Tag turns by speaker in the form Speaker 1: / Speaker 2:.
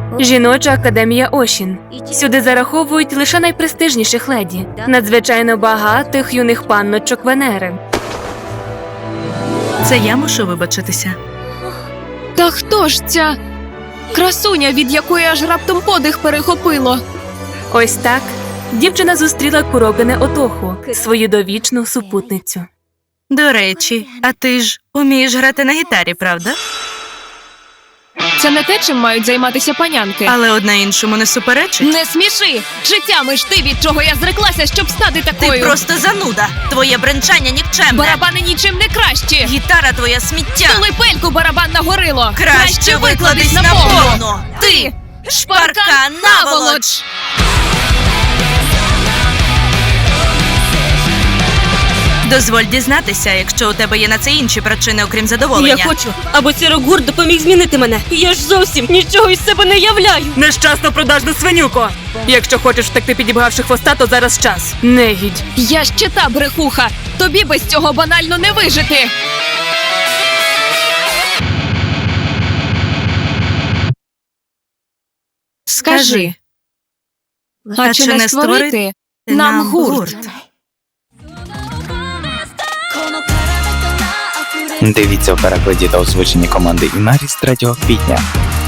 Speaker 1: Жіноча академія Ошін. Сюди зараховують лише найпрестижніших леді, надзвичайно багатих юних панночок Венери.
Speaker 2: Це я мушу вибачитися.
Speaker 3: Та хто ж ця красуня, від якої аж раптом подих перехопило?
Speaker 1: Ось так дівчина зустріла Курогане Отоху, свою довічну супутницю.
Speaker 2: До речі, а ти ж умієш грати на гітарі, правда?
Speaker 3: Це не те, чим мають займатися панянки.
Speaker 2: Але одна іншому не суперечить.
Speaker 3: Не сміши! Життями ж ти, від чого я зреклася, щоб стати
Speaker 2: Ти
Speaker 3: такою.
Speaker 2: просто зануда. Твоє бренчання нікчемне.
Speaker 3: Барабани нічим не кращі.
Speaker 2: Гітара твоя сміття.
Speaker 3: Тули пельку, барабан на горило.
Speaker 2: Краще викладись на повну.
Speaker 3: Ти шпарка наволоч.
Speaker 2: Дозволь дізнатися, якщо у тебе є на це інші причини, окрім задоволення.
Speaker 4: Я хочу, аби Сірогур допоміг змінити мене. Я ж зовсім нічого із себе не являю.
Speaker 1: Нещасно продажна свинюко! Якщо хочеш втекти, підібгавши хвоста, то зараз час. Негідь.
Speaker 3: Я ще та брехуха. Тобі без цього банально не вижити. Скажи, а чи не створити нам гурт?
Speaker 5: Дивіться у перекладі та озвученні команди Інарі з 3 квітня.